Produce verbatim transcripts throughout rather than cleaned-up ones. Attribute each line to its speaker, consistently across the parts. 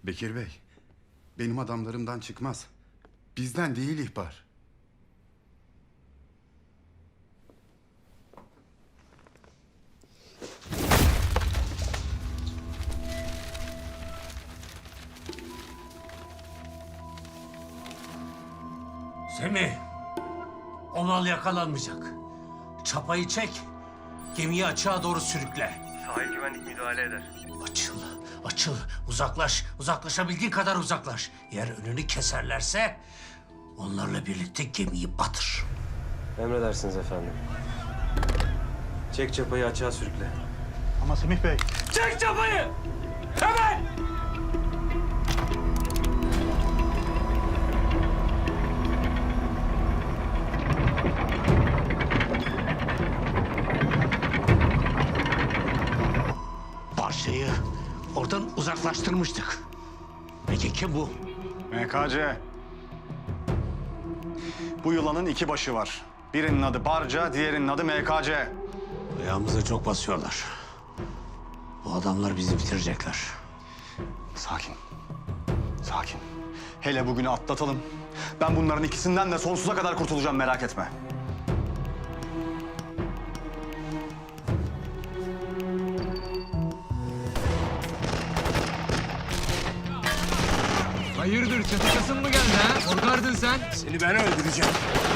Speaker 1: Bekir Bey, benim adamlarımdan çıkmaz. Bizden değil ihbar.
Speaker 2: Semih, o mal yakalanmayacak. Çapayı çek, gemiyi açığa doğru sürükle.
Speaker 3: Sahil güvenlik müdahale eder.
Speaker 2: Açıl, açıl, uzaklaş, uzaklaşabildiğin kadar uzaklaş. Eğer önünü keserlerse onlarla birlikte gemiyi batır.
Speaker 3: Emredersiniz efendim. Çek çapayı açığa sürükle.
Speaker 4: Ama Semih Bey.
Speaker 2: Çek çapayı! Hemen! Parçayı oradan uzaklaştırmıştık. Peki kim bu?
Speaker 4: M K C. Bu yılanın iki başı var. Birinin adı Barca, diğerinin adı M K C.
Speaker 2: Ayağımıza çok basıyorlar. Bu adamlar bizi bitirecekler.
Speaker 4: Sakin. Sakin. Hele bugünü atlatalım. Ben bunların ikisinden de sonsuza kadar kurtulacağım, merak etme.
Speaker 5: Hayırdır, çatışasın mı geldi ha? Korkardın sen.
Speaker 2: Seni ben öldüreceğim.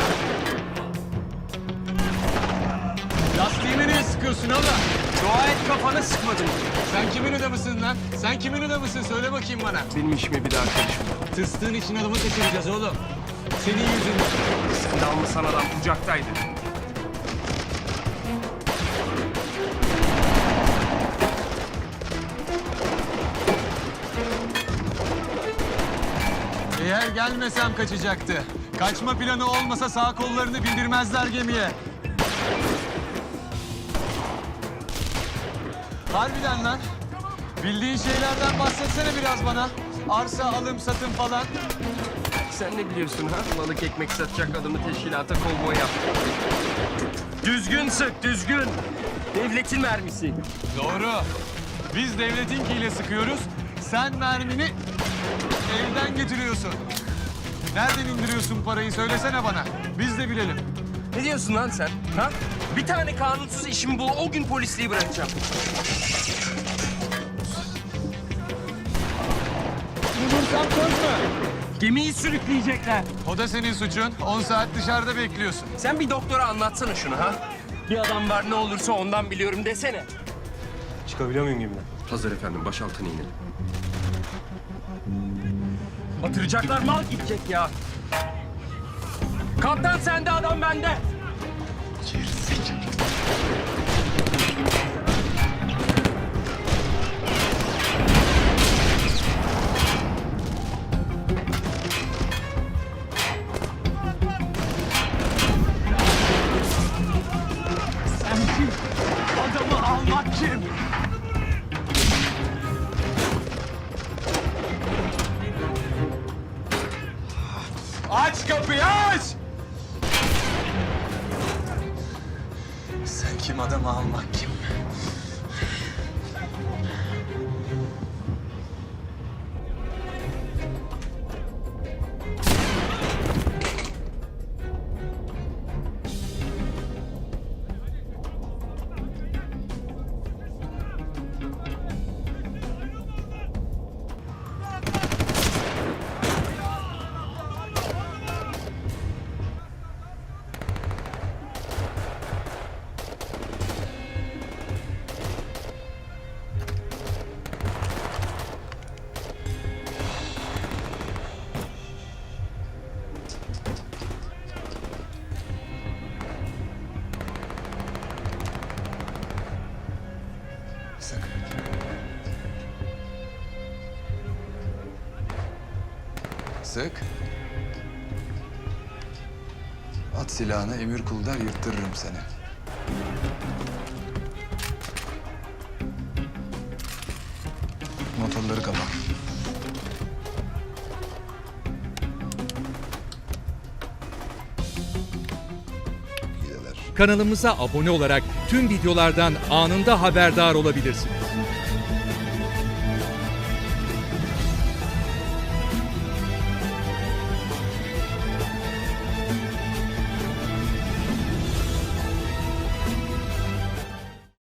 Speaker 5: Lastiğime niye sıkıyorsun oğlum?
Speaker 2: Dua et kafana sıkmadım.
Speaker 5: Sen kimin adamısın lan? Sen kimin adamısın? Söyle bakayım bana.
Speaker 3: Benim işime bir daha karışma.
Speaker 5: Tыстığın için adamı kaçıracağız oğlum. Senin yüzünden.
Speaker 3: Sen de almışsan adam kucaktaydı.
Speaker 5: Eğer gelmesem kaçacaktı. Kaçma planı olmasa sağ kollarını bildirmezler gemiye. Harbiden lan. Bildiğin şeylerden bahsetsene biraz bana. Arsa, alım, satım falan.
Speaker 3: Sen ne biliyorsun ha? Balık ekmek satacak adamı teşkilata kovboy yap. Düzgün sık, düzgün. Devletin mermisi.
Speaker 5: Doğru. Biz devletinkiyle sıkıyoruz. Sen mermini evden getiriyorsun. Nereden indiriyorsun parayı söylesene bana. Biz de bilelim.
Speaker 3: Ne diyorsun lan sen? Ha? Bir tane kanunsuz işimi bul, o gün polisliği bırakacağım.
Speaker 5: Bulursam söz mü?
Speaker 3: Gemiyi sürükleyecekler.
Speaker 5: O da senin suçun. on saat dışarıda bekliyorsun.
Speaker 3: Sen bir doktora anlatsana şunu ha. Bir adam var, ne olursa ondan biliyorum desene. Çıkabiliyor muyum gemiden? Hazır efendim, baş altına inelim. Batıracaklar, mal gidecek ya. Kaptan sende, adam bende.
Speaker 5: Sen kim? Adamı almak kim? Aç kapıyı, aç! Sen kim, adamı almak kim?
Speaker 6: Sık. At silahını, emir kul der, yırttırırım seni. Motorları kapa.
Speaker 7: Kanalımıza abone olarak tüm videolardan anında haberdar olabilirsiniz.